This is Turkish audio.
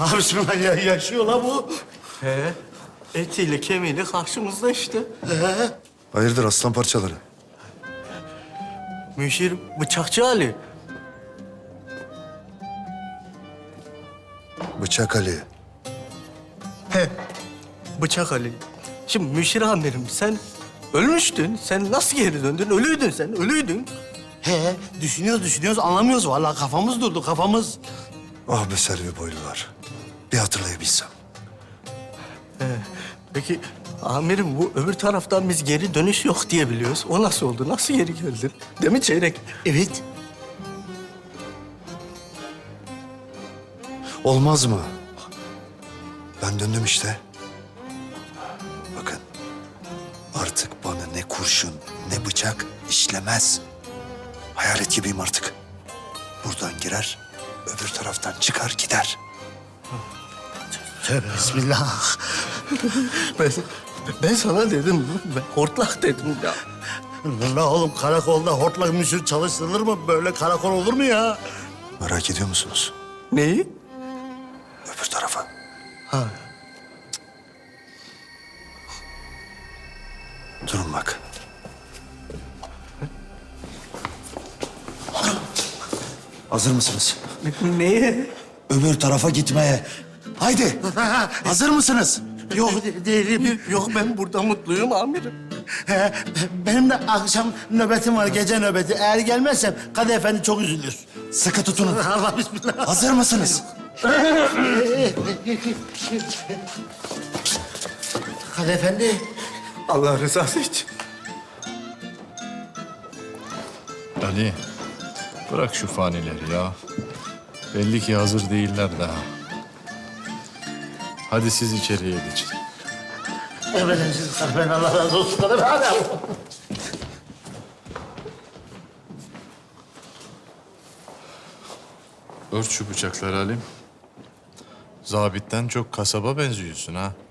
Allah bismillah ya, yaşıyor la bu. He. Etiyle kemiğiyle karşımızda işte. Hayırdır aslan parçaları? Müşir Bıçakçı Ali. Bıçak Ali. He. Bıçak Ali. Şimdi Müşir amirim sen ölmüştün. Sen nasıl geri döndün? Ölüydün sen, ölüydün. He, düşünüyoruz anlamıyoruz. Vallahi kafamız durdu, kafamız. Ah be Selvi boylular. Bir hatırlayabilsem. Peki amirim bu öbür taraftan biz geri dönüş yok diye biliyoruz. O nasıl oldu? Nasıl geri geldin? Değil mi Çeyrek? Evet. Olmaz mı? Ben döndüm işte. Bakın. Artık bana ne kurşun ne bıçak işlemez. Hayalet gibiyim artık. Buradan girer, öbür taraftan çıkar gider. Tövbe bismillah. Ben sana dedim, ben hortlak dedim ya. La oğlum karakolda hortlak müşür çalıştırılır mı? Böyle karakol olur mu ya? Merak ediyor musunuz? Neyi? Öbür tarafa. Ha. Durun bak. Hazır mısınız? Neye? Öbür tarafa gitmeye. Haydi. Hazır mısınız? Yok değilim. Yok ben burada mutluyum amirim. He, benim de akşam nöbetim var, gece nöbeti. Eğer gelmezsem Kadı Efendi çok üzülür. Sıkı tutunun. Allah bismillah. Hazır mısınız? Kadı Efendi. Allah rızası için. Ali, bırak şu fanileri ya. Belli ki hazır değiller daha. Hadi siz içeriye geçin. Emredersiniz Kadı Efendi. Allah razı olsun Kadı Efendi. Ört şu bıçakları Halim. Zabitten çok kasaba benziyorsun ha.